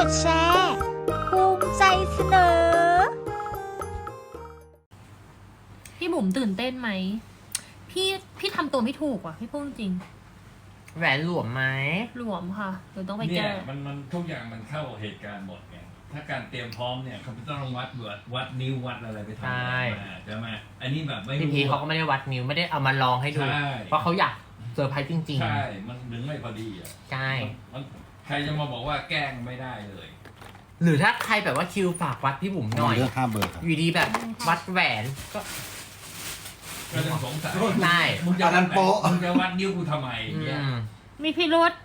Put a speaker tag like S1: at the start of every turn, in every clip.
S1: ดแชร์ภูมิใจเสนอ
S2: พี่บุ๋มตื่นเต้นไหมพี่ทำตัวไม่ถูกว่ะพี่พูดจริง
S3: แหวนหลวมไหม
S2: หลวมค่ะเดี๋ยวต้องไปแก้
S4: เนี่ยมันทุกอย่างมันเข้าเหตุการณ์หมดไงถ้าการเตรียมพร้อมเนี่ยเขาต้องวัดนิ้ววัดอะไรไปทำมาใช่ไหมอันนี้แบบไม่
S3: พี่เขาก็ไม่ได้วัดนิ้วไม่ได้เอามาลองให้ดูเพราะเขาอยากเซอร์ไพรส์จริง
S4: ๆใช่มันดึงไม่พอดีอ่ะ
S3: ใช่
S4: ใครจะมาบอกว่าแกล้งไม่ได้เลย
S3: หรือถ้าใครแบบว่าคิวฝากวัดพี่บุ๋มหน่อย
S5: เลือก5 เบอร์ครับ
S3: อยู่ดีแบบวัดแหวน
S4: ก็จะสงสัย
S3: ใช่
S4: มึงจะวัดโป๊ะมึงจะวัดนิ้วกูทำไมเนี่ย
S2: มีพิรุธ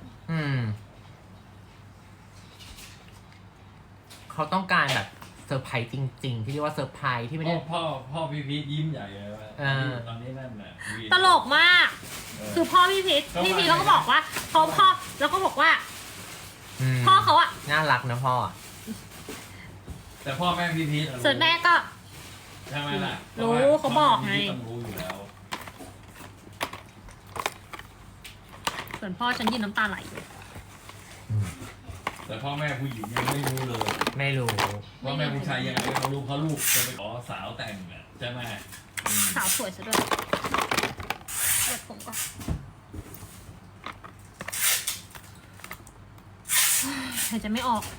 S3: เขาต้องการแบบเซอร์ไพรส์จริงๆที่เรียกว่าเซอร์ไพรส์ที่ไม่ได้
S4: พ่อพี่พีทยิ้มใหญ่เลยว่าตอนนี้นั่นน่ะ
S2: ตลกมากคือพ่อพี่พีทเขาก็บอกว่าพ่อแล้วก็บอกว่าพ่อเขาอะ
S3: น่ารักนะพ่อ
S4: แต่พ่อแม่พี่พีท
S2: ส่วนแม่ก็
S4: ใช่ไหมล่ะ
S2: รู้เขาบอกไง
S4: ต้องรู้อยู่แล้ว
S2: ส่วนพ่อฉันยืนน้ำตาไหล
S4: แต่พ่อแม่ผู้หญิงยังไม่รู้เลย
S3: ไม่รู้
S4: พ่อแม่ผู้ชายยังไงเขารู้เพราะลูกจะไปขอสาวแต่งอ่ะใช่ไหม
S2: สาวสวยซะด้วยเด็ดผมก่อนหายใจไม่ออก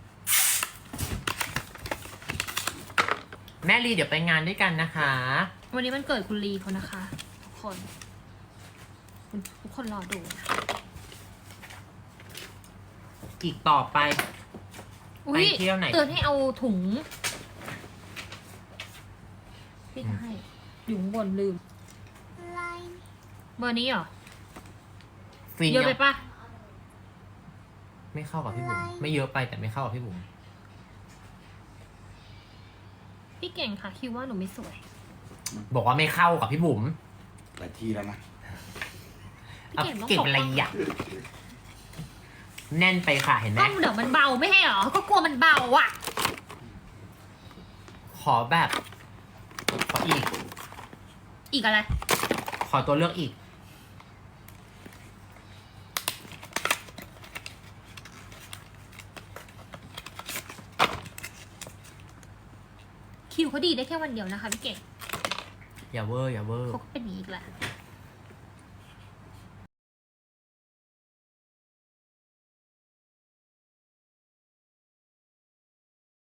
S3: แม่ลีเดี๋ยวไปงานด้วยกันนะคะ
S2: วันนี้มันเกิดคุณลีเขานะคะทุกคนรอดูนะ
S3: อีกต่อไป
S2: ไปเที่ยวไหนเตือนให้เอาถุงพี่ให้อยู่บนลืมเบอร์นี้เหรอเยอะไปปะ
S3: ไม่เข้ากับพี่บุ๋มไม่เยอะไปแต่ไม่เข้ากับพี่บุ๋ม
S2: พี่เก่งค่ะคิดว่าหนูไม่สวย
S3: บอกว่าไม่เข้ากับพี่บุ๋ม
S5: หลายที่แล้วนะ
S3: เอาเก็บอะไรอยากแน่นไปค่ะเห็นไหม
S2: ก็เดี๋ยวมันเบาไม่ให้หรอก็กลัวมันเบาอ่ะ
S3: ขอแบบขอ
S2: อีกอะไร
S3: ขอตัวเลือกอีก
S2: คิวเขาดีได้แค่วันเดียวนะคะพี่เก่ง
S3: อย่าเวอร์
S2: เขาก็เป็นอีกแหละ